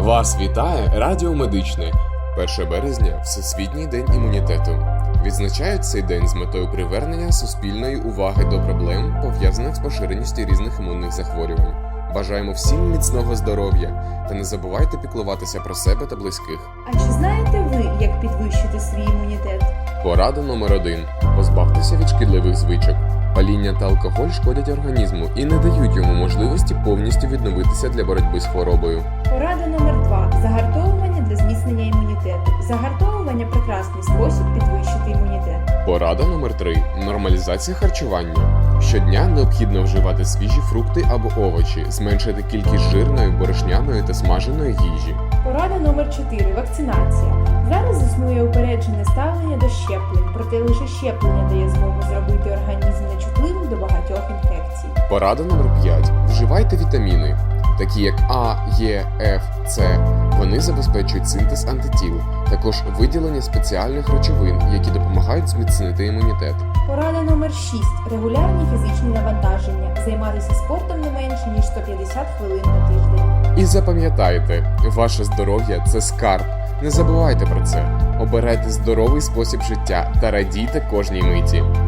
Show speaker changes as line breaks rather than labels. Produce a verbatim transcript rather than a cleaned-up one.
Вас вітає Радіо Медичне. першого березня – Всесвітній день імунітету. Відзначають цей день з метою привернення суспільної уваги до проблем, пов'язаних з поширеністю різних імунних захворювань. Бажаємо всім міцного здоров'я та не забувайте піклуватися про себе та близьких.
А чи знаєте ви, як підвищити свій імунітет?
Порада номер один. Позбавтеся від шкідливих звичок. Паління та алкоголь шкодять організму і не дають йому можливості повністю відновитися для боротьби з хворобою.
Порада номер два. Загартовування для зміцнення імунітету. Загартовування – прекрасний спосіб підвищити імунітет.
Порада номер три. Нормалізація харчування. Щодня необхідно вживати свіжі фрукти або овочі, зменшити кількість жирної, борошняної та смаженої їжі.
Порада номер чотири. Вакцинація. Зараз існує упереджене ставлення до щеплень, проте лише щеплення дає змогу зробити організм нечутливим до багатьох інфекцій.
Порада номер п'ять. Вживайте вітаміни, такі як А, Е, Ф, С. Вони забезпечують синтез антитіл, також виділення спеціальних речовин, які допомагають зміцнити імунітет.
Порада номер шість. Регулярні фізичні навантаження. Займатися спортом не менше, ніж сто п'ятдесят хвилин на тиждень.
І запам'ятайте, ваше здоров'я – це скарб. Не забувайте про це. Обирайте здоровий спосіб життя та радійте кожній миті.